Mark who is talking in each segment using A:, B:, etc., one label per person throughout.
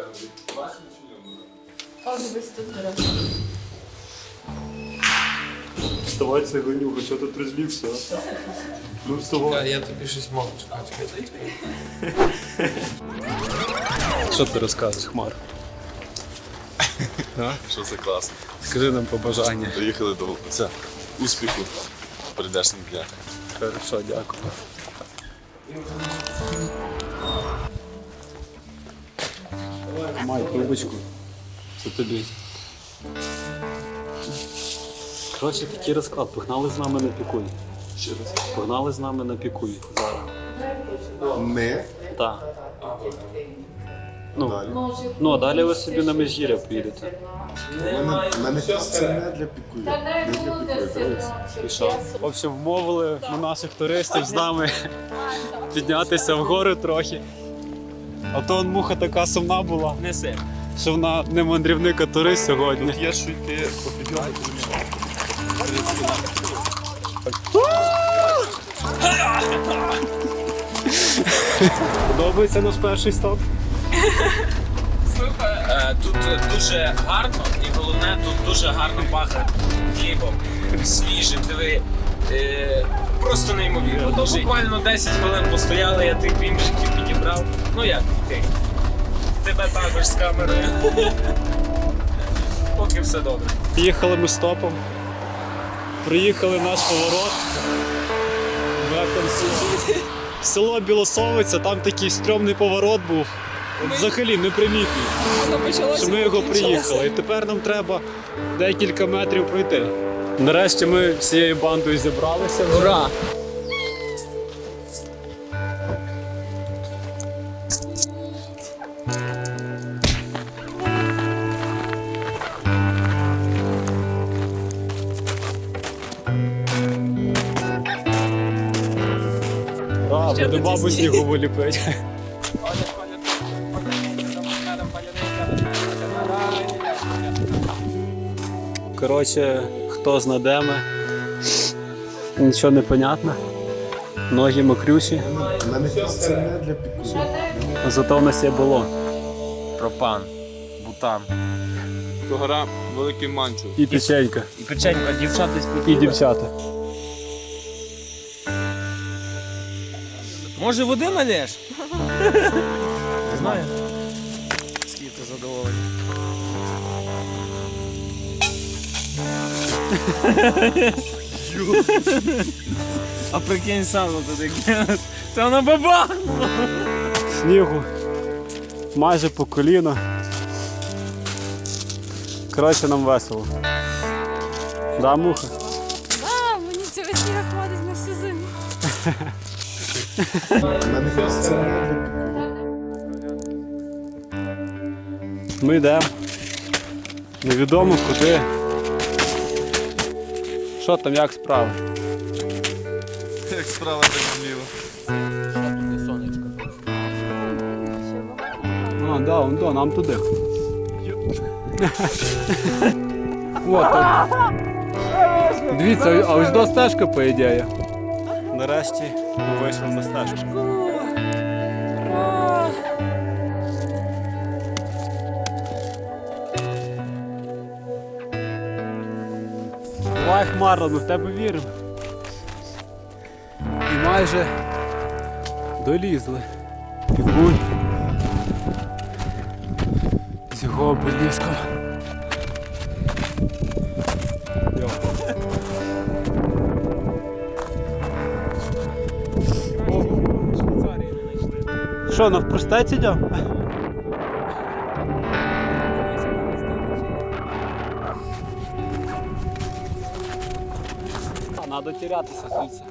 A: О, дивись, тут дорога.
B: Вставай, це гонюга, чого тут розлівся? Ну вставай.
C: Я тобі щось можу чекати.
B: Що ти розказуєш, Хмар?
D: Що це класно.
B: Скажи нам побажання.
D: Доїхали до успіху в прийдешніх днях.
B: Хорошо, дякую. Май трубочку. Це тобі. Коротше, такий розклад. Погнали з нами на пікуй.
D: Ще раз.
B: Погнали з нами на пікуй зараз.
D: Ми?
B: Так.
D: Далі.
B: Ну, а далі ви собі на Межгір'я поїдете.
D: У мене це не для пікую. Не для пікую.
B: І що? В общем, вмовили ми наших туристів з нами піднятися вгору трохи. А то муха така сумна була,
C: Неси.
B: що вона не мандрівник, а турист сьогодні.
D: Є що йти по підйому.
B: Подобається наш перший стоп?
C: Супер. Тут дуже гарно і головне, тут дуже гарно пахне хлібом. Свіжим, диви. Просто неймовірно. То буквально 10 хвилин постояли, я тих бімжиків підібрав. Ну як ти? Тебе також з камерою. Поки все добре.
B: Їхали ми стопом. Приїхали наш поворот. Село Білосовиця, там такий стрьомний поворот був. Взагалі непримітний. Що ми його приїхали. І тепер нам треба декілька метрів пройти. Нарешті ми всією бандою зібралися. Ура! Буде бабу снігову ліпить. Коротше, хто знайдеме, нічого не понятно. Ноги мокрющі.
D: У мене це не для пікую.
B: Зато в нас є було.
C: Пропан, бутан.
D: То гора Великий Манчу.
B: І печенька.
C: І печенька, дівчата
B: І дівчата.
C: Може води налєш? Не знаю. Скільки ти задоволений. А прикинь сам туди кинуть. Це вона баба!
B: Снігу майже по коліно. Коротше, нам весело. Да, муха?
A: А, мені цього сніга хватить на всю зиму.
D: У мене це не для пікую.
B: Ми йдемо. Невідомо куди. Що там, як справа?
D: Як справа, так зліва.
B: А, да, вон до, нам туди. От так. Дивіться, а ось до стежка, по ідеї. Нарешті ми вийшли на стежку. Давай, Хмара, ми в тебе віримо. І майже долізли. Пікуй. З його обеліском. Що, навпростець йдемо? Надо тірятися звідси.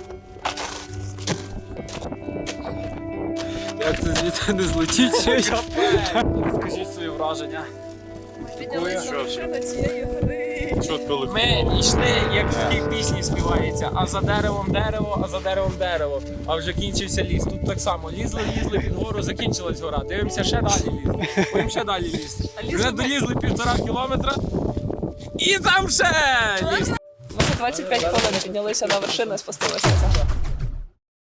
B: Як це звідси не злетіть? Розкажіть свої враження.
A: Піднялися вершина цієї гори.
D: Чітко
C: Ми йшли, як в тій пісні співається, а за деревом дерево, а за деревом дерево. А вже кінчився ліс. Тут так само. Лізли під гору, закінчилась гора. Дивимося, ще далі лізли. Будемо ще далі лізти. Вже долізли 1,5 кілометра. І там ще ліз.
A: Ми за 25 хвилин піднялися на вершину і спустилися назад.